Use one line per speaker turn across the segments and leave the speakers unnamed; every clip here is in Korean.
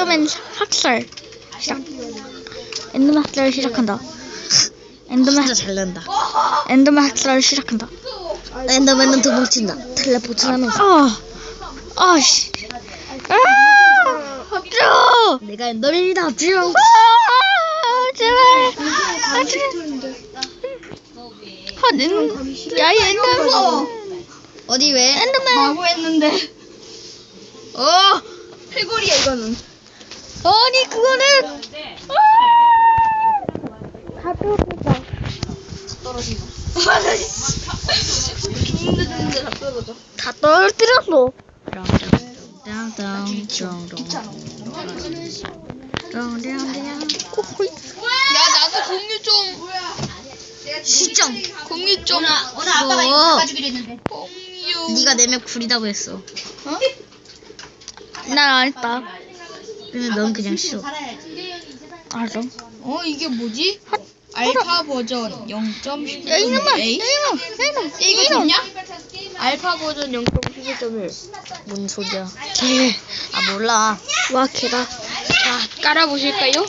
엔더맨 학살 시작. 엔더맨 학살을 시작한다. 엔더맨
진짜 잘 난다.
엔더맨 학살을 시작한다.
엔더맨은 도망친다. 텔레포트 하면서.
아씨. 합주.
내가 엔더맨이다. 합주.
제발. 야, 이 엔더맨.
어디 왜?
엔더맨.
마구했는데. 해골이야 이거는.
아니 그거는. 다 떨어졌다.
떨어진다.
죽는데 다 떨어져.
다 떨어뜨렸어.
야 나도 공유 좀.
시점.
공유 좀.
오늘 아빠가 이거
바꿔주기로 했는데. 공유.
네가 내면 구리다고 했어.
난 안 했다.
근데 넌 그냥 싫어.
알았어.
이게 뭐지? 알파 버전 0.11.1.
야 이놈아.
이거 좋냐? 알파 버전 0.11.1.
뭔 소리야? 개. 아 몰라.
와 개다.
자 깔아보실까요?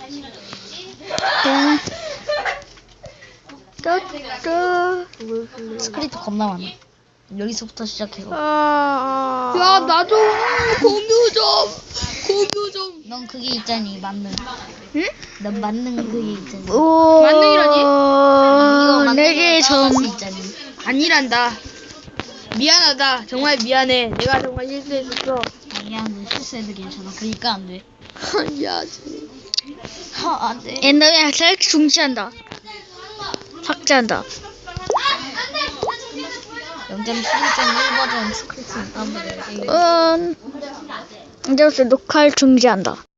스크립트 겁나 많아. 여기서부터 시작해서.
야 나도 공유 좀.
넌 그게 있잖니 만능.
응?
넌 만능 그게 있잖니.
오.
만능이라니?
이거
내게
만능으로
좀.
따라갈 수 있잖니.
아니란다. 미안하다. 정말 미안해. 내가 정말 실수했었어.
아니야, 너 실수해도 괜찮아. 그러니까 안 돼.
야,
안 돼.
엔더맨 학살 중지한다. 삭제한다.
0.11.1 버전 스크립트는 다운받아야지.
이제부터 녹화를 중지한다.